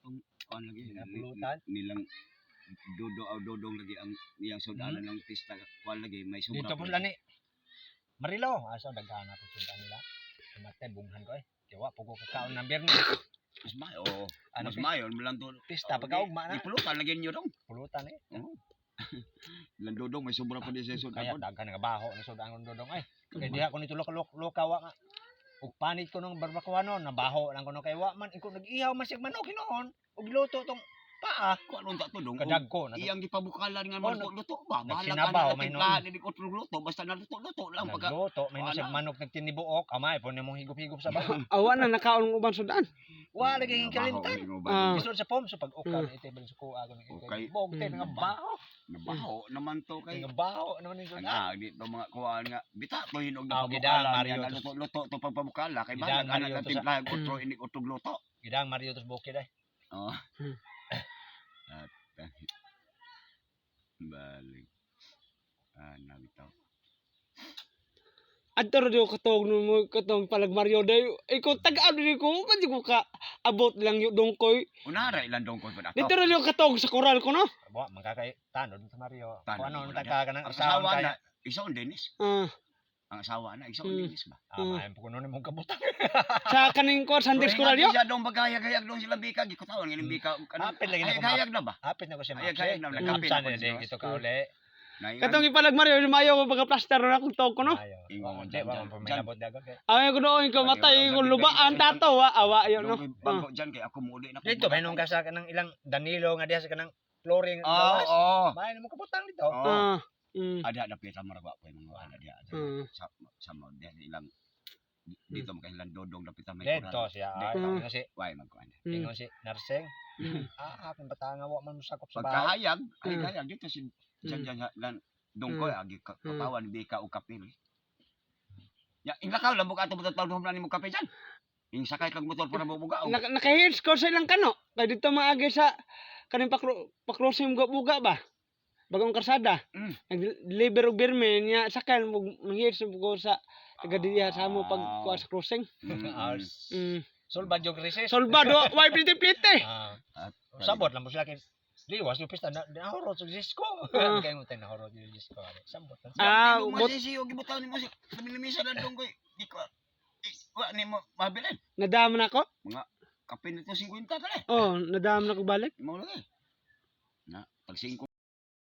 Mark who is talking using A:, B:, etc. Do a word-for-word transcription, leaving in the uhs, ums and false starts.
A: atong kuan lagi
B: Pulutan.
A: nilang dodo aw dodong lagi ang iyang sudanan ng pista kuan lagi may sobra.
B: Dito po lani. Marilo, aso daghan nato sundan nila. Matay bunghan ko eh. Kiwa po ko kakaon ng birni.
A: Mas mayo. Oh.
B: Ano,
A: Mas mayo lang to.
B: Pista pagkaugma na.
A: Ipulutan lagi niyo dong.
B: Pulutan eh.
A: Oo. Ilang dodong may sobra pa di sa
B: Kaya
A: sudanan.
B: daghan nga baho ni sudan ang dodong ay. Kaya diha ko nito lokawa nga. Ug panit ko nung barbacoa no, nabaho lang ko no kay wa man iko nag-ihaw man sig manok hinoon. Ug luto tong paa.
A: Kung anong ta to dong.
B: Kadagko na.
A: Iyang gipabukalan nga
B: Oh,
A: man luto ba? Bahala
B: nagsinabaw,
A: ka
B: may
A: na timplahan ni otro luto basta naluto-luto lang pagka.
B: Nagluto, may
A: Wala.
B: nasig manok nagtinibuok, amay po nimong higop-higop sa baho.
C: Awa na nakaon ng ubang sudan.
B: Wa lagi yung kalimtan.
C: Ah.
B: Isod sa pom so pag ukan ite bali sa kuha ko ni
A: Okay.
B: bog tay nga baho.
A: Nabaho naman to kay.
B: Nga baho naman yung sudan.
A: Ah, di to mga kuan nga bita to hinog
B: Ah,
A: na
B: gidang,
A: pabukala
B: Mario,
A: niya
B: tos-
A: luto-luto to pagpabukala kay
B: Gidang,
A: bahala ka
B: Mario,
A: na
B: tos-
A: timplahan otro ini otro luto.
B: Gidang Mario tos bukid ay.
A: Oh.
C: Hmm.
A: At balik. Ah, nabitaw.
C: Adto ra diyo katong no mo katong palag Mario day. Ikaw tag-ano di ko man di ko ka abot lang yung dongkoy.
A: Unara ilang dong ko pa
C: Dito
A: dato.
C: ra diyo katong sa koral ko no.
B: Wa magkakay tanod sa Mario.
A: Tanod,
B: Kung ano
A: wala
B: nagka ka ng
A: Ang
B: asawa
A: asawa
B: kaya.
A: na isaon Dennis.
C: Ah,
A: Ang asawa na isaon
C: Hmm.
A: Dennis ba?
B: Ah, maayong po kuno nimong kabutang.
C: sa kaning ko Sandex koral yo.
A: Siya dong bagayag-hayag dong sila bika gikutawan ngin bika.
B: Hapit lagi na
A: Hayag-hayag na ba?
B: Hapit na ko siya
A: Ay,
B: mapsi.
A: kaya na,
B: Nagkapit
A: nagkapit
B: na
A: na
B: ko
A: siya.
B: din ito ka uli.
C: Katong ipalag Mario mayo ko pagka plaster ra akong tawag ko no.
B: Ayaw.
A: Ingon,
B: Hindi,
A: dyan,
B: wa
A: dyan,
B: man
A: dyan.
B: paminabot dago kay.
C: Ay ko doon ko matay ko lubaan tato wa awa yo no.
A: Bago dyan kay ako muli na.
B: Dito may nung ka sa kanang ilang Danilo nga diha sa kanang flooring.
A: Oo, oo.
B: Maayong mo kabutang dito.
A: Oo.
C: Ah. Mm.
A: Ada ada pita maragwa po yung mga ana dia.
C: Mm.
A: Sa sa mo dia ilang dito mo kailan dodong dapit may
B: Dito
A: kuran.
B: siya.
A: Dito.
B: Ay,
C: Mm.
B: ingon si
A: Why magkuan.
C: Mm.
B: ingon si nursing.
C: Mm.
B: Ah, aking bata nga wa man musakop sa bahay.
A: Pagkahayag, ay
C: Mm.
A: hayag dito si dyan
C: Mm.
A: dyan lan dongkoy
C: Mm.
A: agi ka- katawan bika o kapil. Ya, inglakaw lang buka ato buta tawon na mo kape dyan. Ing sakay kag motor para bubuga.
C: Naka naka-heads ko sa ilang kano. Kay dito maagi sa kaning pakro pakrosing buga ba. Bagong karsada.
A: Mm.
C: Nag-deliver og birme niya sakal mo heads ko sa taga diya sa mo pag
A: Ah.
C: kuha sa crossing.
B: Hours.
C: Mm.
B: Sulbad jog recess.
C: Solbado, why plite plite.
B: Ah,
A: At
B: sabot lang mo sila kay liwas yung pista na nahoro sa disco.
C: Ah.
B: Kaya mo tayo nahoro sa disco. Sabot lang.
C: Ah,
A: mo
C: bot
A: si siyo gibutaw ni mo si limisa na dongkoy. Di ko i- wa ni mo mabilin.
C: nadam na ko.
A: Kape nito fifty tali.
C: Oh, nadam na ko balik.
A: Mo lagi. Na, pag five